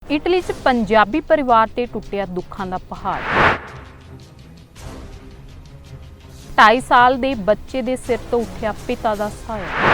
Italy 'ਚ ਪੰਜਾਬੀ ਪਰਿਵਾਰ ਤੇ ਟੁੱਟਿਆ ਦੁੱਖਾਂ ਦਾ ਪਹਾੜ। 2.5 ਸਾਲ ਦੇ ਬੱਚੇ ਦੇ ਸਿਰ ਤੋਂ ਉੱਠਿਆ ਪਿਤਾ ਦਾ ਸਾਇਆ।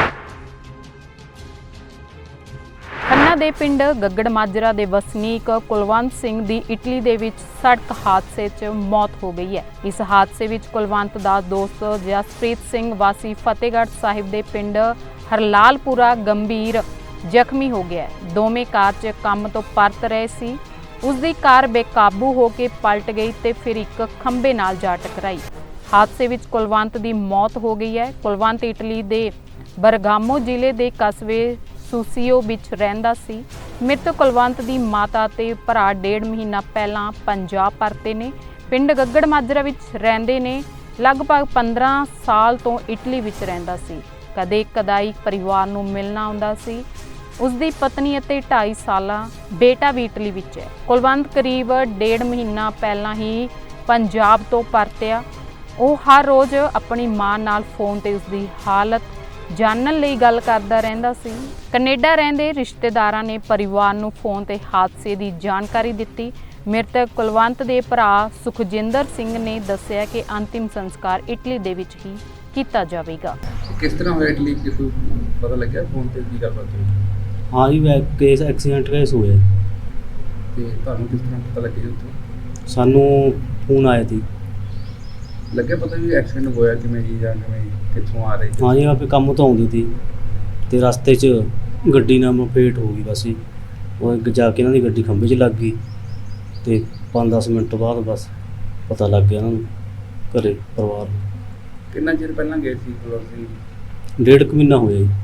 ਖੰਨਾ ਦੇ ਪਿੰਡ ਗੱਗੜ ਮਾਜਰਾ ਦੇ ਵਸਨੀਕ ਕੁਲਵੰਤ ਸਿੰਘ ਦੀ ਇਟਲੀ ਦੇ ਵਿੱਚ ਸੜਕ ਹਾਦਸੇ 'ਚ ਮੌਤ ਹੋ ਗਈ ਹੈ। ਇਸ ਹਾਦਸੇ ਵਿੱਚ ਕੁਲਵੰਤ ਦਾ ਦੋਸਤ ਜਸਪ੍ਰੀਤ ਸਿੰਘ ਵਾਸੀ ਫਤਿਹਗੜ੍ਹ ਸਾਹਿਬ ਦੇ ਪਿੰਡ ਹਰਲਾਲਪੁਰਾ ਗੰਭੀਰ ਜ਼ਖਮੀ ਹੋ ਗਿਆ। ਦੋਵੇਂ ਕਾਰ 'ਚ ਕੰਮ ਤੋਂ ਪਰਤ ਰਹੇ ਸੀ। ਉਸ ਦੀ ਕਾਰ ਬੇਕਾਬੂ ਹੋ ਕੇ ਪਲਟ ਗਈ ਤੇ ਫਿਰ ਇੱਕ ਖੰਭੇ ਨਾਲ ਜਾ ਟਕਰਾਈ। ਹਾਦਸੇ ਵਿੱਚ ਕੁਲਵੰਤ ਦੀ ਮੌਤ ਹੋ ਗਈ ਹੈ। ਕੁਲਵੰਤ ਇਟਲੀ ਦੇ ਬਰਗਾਮੋ ਜ਼ਿਲ੍ਹੇ ਦੇ ਕਸਬੇ ਸੁਸੀਓ ਵਿੱਚ ਰਹਿੰਦਾ ਸੀ। ਮ੍ਰਿਤਕ ਕੁਲਵੰਤ ਦੀ ਮਾਤਾ ਤੇ ਭਰਾ 1.5 ਮਹੀਨਾ ਪਹਿਲਾਂ ਪੰਜਾਬ ਪਰਤੇ ਨੇ। ਪਿੰਡ ਗੱਗੜ ਮਾਜਰਾ ਵਿੱਚ ਰਹਿੰਦੇ ਨੇ। ਲਗਭਗ 15 ਸਾਲ ਤੋਂ ਇਟਲੀ ਵਿੱਚ ਰਹਿੰਦਾ ਸੀ। ਕਦੇ ਕਦਾਈ ਪਰਿਵਾਰ ਨੂੰ ਮਿਲਣਾ ਆਉਂਦਾ ਸੀ। ਉਸ ਦੀ ਪਤਨੀ ਅਤੇ 2.5 ਸਾਲਾ ਬੇਟਾ ਵੀ ਇਟਲੀ ਵਿੱਚ ਹੈ। ਕੁਲਵੰਤ ਕਰੀਬ 1.5 ਮਹੀਨਾ ਪਹਿਲਾਂ ਹੀ ਪੰਜਾਬ ਤੋਂ ਪਰਤਿਆ। ਉਹ ਹਰ ਰੋਜ਼ ਆਪਣੀ ਮਾਂ ਨਾਲ ਫੋਨ ਤੇ ਉਸ ਦੀ ਹਾਲਤ ਜਾਣਨ ਲਈ ਗੱਲ ਕਰਦਾ ਰਹਿੰਦਾ ਸੀ। ਕੈਨੇਡਾ ਰਹਿੰਦੇ ਰਿਸ਼ਤੇਦਾਰਾਂ ਨੇ ਪਰਿਵਾਰ ਨੂੰ ਫੋਨ ਤੇ ਹਾਦਸੇ ਦੀ ਜਾਣਕਾਰੀ ਦਿੱਤੀ। ਮ੍ਰਿਤਕ ਕੁਲਵੰਤ ਦੇ ਭਰਾ ਸੁਖਜਿੰਦਰ ਸਿੰਘ ਨੇ ਦੱਸਿਆ ਕਿ ਅੰਤਿਮ ਸੰਸਕਾਰ ਇਟਲੀ ਦੇ ਵਿੱਚ ਹੀ ਕੀਤਾ ਜਾਵੇਗਾ। ਕਿਸ ਤਰ੍ਹਾਂ ਹੋਇਆ ਇਟਲੀ ਕਿ ਕੋਈ ਪਤਾ ਲੱਗਿਆ ਫੋਨ ਤੇ ਕੀ ਗੱਲਬਾਤ ਹੋਈ? हाँ जी, केस एक्सीडेंट केस होया ਤੇ ਤੁਹਾਨੂੰ ਕਿਸ ਤਰ੍ਹਾਂ ਪਤਾ ਲੱਗਿਆ ਉੱਥੇ? सानू फोन आया थी। ਲੱਗਿਆ ਪਤਾ ਵੀ ਐਕਸੀਡੈਂਟ ਹੋਇਆ ਕਿਵੇਂ ਜੀ ਜਾਂ ਕਿਵੇਂ ਕਿੱਥੋਂ ਆ ਰਹੇ ਸੀ? हाँ जी, आप काम तो आउंदी थी ते रस्ते च गड्डी नाल मपेट हो गई। बस ही वो जाके इन्हां दी गड्डी खंभे च लग गई ते 5-10 मिनट बाद बस पता लग गया इन्हां नूं घरे परिवार नूं। ਕਿੰਨਾ ਚਿਰ ਪਹਿਲਾਂ ਗਏ ਸੀ ਕੁਲਵੰਤ ਸਿੰਘ ਜੀ? 1.5 महीना होया जी।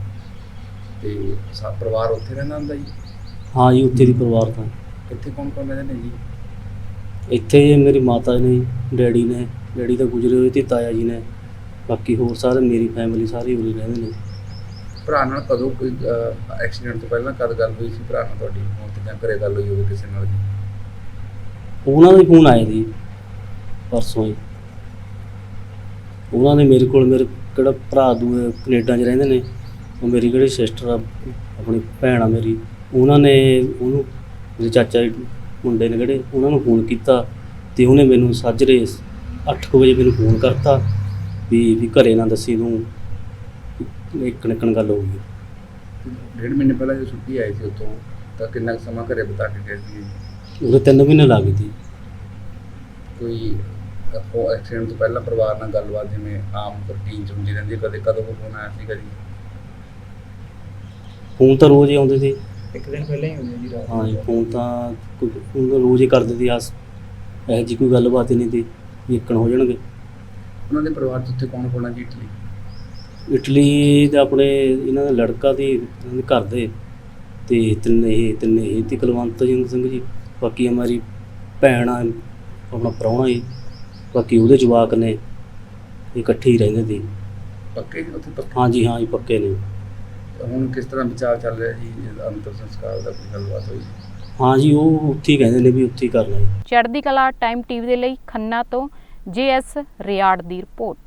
ਤੇ ਪਰਿਵਾਰ ਉੱਥੇ ਰਹਿੰਦਾ ਹੁੰਦਾ ਜੀ? हाँ जी, उत्थे दी परिवार तां ਇੱਥੇ ਕੌਣ ਕੌਣ ਰਹਿੰਦੇ ਨੇ ਜੀ? ਇੱਥੇ मेरी माता ने, डैडी ने, डैडी ਤਾਂ ਗੁਜ਼ਰੇ ਹੋਏ ਤੇ ਤਾਇਆ ਜੀ ਨੇ। ਬਾਕੀ ਹੋਰ ਸਾਰੇ ਮੇਰੀ ਫੈਮਿਲੀ ਸਾਰੀ ਉਰੇ ਰਹਿੰਦੇ ਨੇ। ਭਰਾ ਨਾਲ ਕਦੋਂ ਕੋਈ ਐਕਸੀਡੈਂਟ ਤੋਂ ਪਹਿਲਾਂ ਕਦ ਗੱਲ ਹੋਈ ਸੀ ਭਰਾ ਨਾਲ ਤੁਹਾਡੀ ਫੋਨ ਤੇ ਜਾਂ ਘਰੇ ਗੱਲ ਹੋਈ ਹੋਵੇ ਕਿਸੇ ਨਾਲ ਜੀ? ਉਹਨਾਂ ਦੇ ਫੋਨ ਆਏ ਸੀ ਪਰਸੋਂ ਹੀ। ਉਹਨਾਂ ਨੇ ਮੇਰੇ ਕੋਲ, ਮੇਰੇ ਕਿਹੜਾ ਭਰਾ ਦੂਏ ਕੈਨੇਡਾ 'ਚ ਰਹਿੰਦੇ ਨੇ, ਉਹ ਮੇਰੀ ਕਿਹੜੀ ਸਿਸਟਰ ਆ, ਆਪਣੀ ਭੈਣ ਆ ਮੇਰੀ, ਉਹਨਾਂ ਨੇ ਉਹਨੂੰ, ਮੇਰੇ ਚਾਚਾ ਦੇ ਮੁੰਡੇ ਨੇ ਜਿਹੜੇ, ਉਹਨਾਂ ਨੂੰ ਫੋਨ ਕੀਤਾ ਤੇ ਉਹਨੇ ਮੈਨੂੰ ਸਾਜਰੇ 8 ਵਜੇ ਮੈਨੂੰ ਫੋਨ ਕਰਤਾ ਵੀ ਘਰੇ ਨਾ ਦੱਸੀ ਤੂੰ, ਇੱਕ ਨਿਕਣ ਗੱਲ ਹੋ ਗਈ। 1.5 ਮਹੀਨੇ ਪਹਿਲਾਂ ਜਦੋਂ ਛੁੱਟੀ ਆਈ ਸੀ ਉੱਥੋਂ ਤਾਂ ਕਿੰਨਾ ਕੁ ਸਮਾਂ ਘਰੇ ਬਿਤਾ ਕੇ ਗਏ ਸੀ? ਉਹਦੇ 3 ਮਹੀਨੇ ਲੱਗ ਗਏ ਸੀ। ਕੋਈ ਐਕਸੀਡੈਂਟ ਤੋਂ ਪਹਿਲਾਂ ਪਰਿਵਾਰ ਨਾਲ ਗੱਲਬਾਤ ਜਿਵੇਂ ਆਮ ਰੂਟੀਨ 'ਚ ਹੁੰਦੀ ਰਹਿੰਦੀ ਹੈ, ਕਦੇ ਕਦੋਂ ਕੋਈ ਫੋਨ ਆਇਆ ਸੀ ਕਦੀ? ਫੋਨ ਤਾਂ ਰੋਜ਼ ਹੀ ਆਉਂਦੇ ਸੀ। ਇੱਕ ਦਿਨ ਪਹਿਲਾਂ ਹੀ ਹੁੰਦੀ ਜੀ ਰਾਤ? ਹਾਂ ਜੀ, ਫੋਨ ਤਾਂ ਰੋਜ਼ ਹੀ ਕਰਦੇ ਸੀ। ਇਹੋ ਜਿਹੀ ਕੋਈ ਗੱਲਬਾਤ ਹੀ ਨਹੀਂ ਸੀ ਵੀ ਇੱਕਣ ਹੋ ਜਾਣਗੇ। ਉਹਨਾਂ ਦੇ ਪਰਿਵਾਰ 'ਚ ਉੱਥੇ ਕੌਣ ਕੌਣ ਆ ਜੀ ਇਟਲੀ? ਇਟਲੀ ਦੇ ਆਪਣੇ ਇਹਨਾਂ ਦਾ ਲੜਕਾ ਤੇ ਇਹਨਾਂ ਦੇ ਘਰ ਦੇ ਤੇ ਤਿੰਨੇ ਇਹ ਤੇ ਕੁਲਵੰਤ ਸਿੰਘ ਜੀ। ਬਾਕੀ ਹਮਾਰੀ ਭੈਣ ਆ, ਆਪਣਾ ਪ੍ਰਾਹੁਣਾ ਜੀ, ਬਾਕੀ ਉਹਦੇ ਜਵਾਕ ਨੇ, ਇਕੱਠੇ ਹੀ ਰਹਿੰਦੇ ਸੀ। ਪੱਕੇ ਉੱਥੇ ਪੱਕੇ? ਹਾਂ ਜੀ ਪੱਕੇ ਨੇ। ਹੁਣ ਕਿਸ ਤਰ੍ਹਾਂ ਵਿਚਾਰ ਚੱਲ ਰਿਹਾ ਜੀ ਅੰਤਿਮ ਸੰਸਕਾਰ ਦਾ, ਕੋਈ ਗੱਲਬਾਤ ਹੋਈ? ਹਾਂ ਜੀ, ਉਹ ਉੱਥੇ ਹੀ ਕਹਿੰਦੇ ਨੇ ਵੀ ਉੱਥੇ ਹੀ ਕਰਨਾ ਹੈ। ਚੜ੍ਹਦੀ ਕਲਾ ਟਾਈਮ ਟੀਵੀ ਦੇ ਲਈ ਖੰਨਾ ਤੋਂ JS ਰਿਆੜ ਦੀ ਰਿਪੋਰਟ।